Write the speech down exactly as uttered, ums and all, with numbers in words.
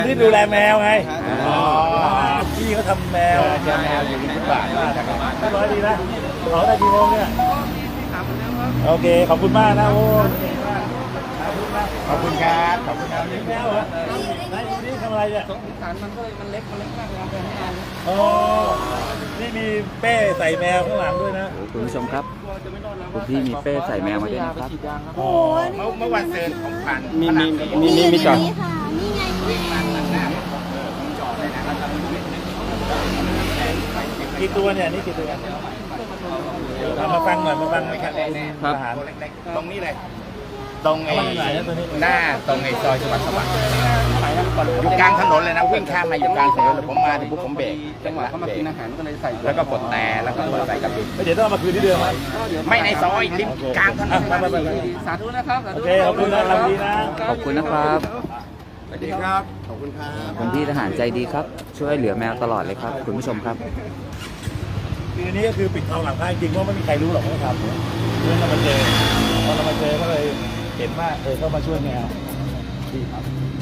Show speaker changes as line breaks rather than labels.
ที่ดูแลแมวไงอ๋อพี่เขาทำแมวเจอแมวอยู่ที่ฟุตบาทมากเรียบร้อยดีนะขอได้กี่โมงเนี่ยโอเคขอบคุณมากนะโอ้ขอบคุณครับขอบคุณครับแมวเหรอไหนดูนี่ทำอะไรเนี่ยฐานมันก็มันเล็กมันเล็กมากเลยอ๋อนี่มีเป้ใส่แมวข้างหลังด้วยนะ
คุณผู้ชมครับคุณพี่มีเป้ใส่แมวมาด้วยนะครับ
โอ้เมื่อวันเซิร์นของผ่าน
มีมีมีมีมีจอด
นี่ไง
กี่ตัวเนี่ยนี่กี่ตัวมาฟังหน่อยมาฟังนะครับอาหารตรงนี้เลยตรงไอ้หน้าตรงไอ้ซอยสวัสดิ์สวัสดิ์อยู่กลางถนนเลยนะวิ่งข้ามมาอยู่กลางถนนผมมาถึงปุ๊บผมเบรกจังหวะเขามากินอาหารก็เลยใส่แล้วก็กดแต่แล้วก็ใส่กระปิเดี๋ยวต้องมาคืนที่เดิมไหมไม่ในซอยริมกลางถนน
สาธุนะครับ
โอเคขอบคุณนะครับดีนะ
ขอบคุณนะครับ
สวัสดีครับขอบคุณครับ
คุณพี่ทหารใจดีครับช่วยเหลือแมวตลอดเลยครับคุณผู้ชมครับ
คือนี้ก็คือปิดทองหลังพระจริงว่าไม่มีใครรู้หรอกว่าทำเพื่อนเรามาเจอพอเรามาเจอก็เลยเห็นว่าเออเข้ามาช่วยแมวดีครับ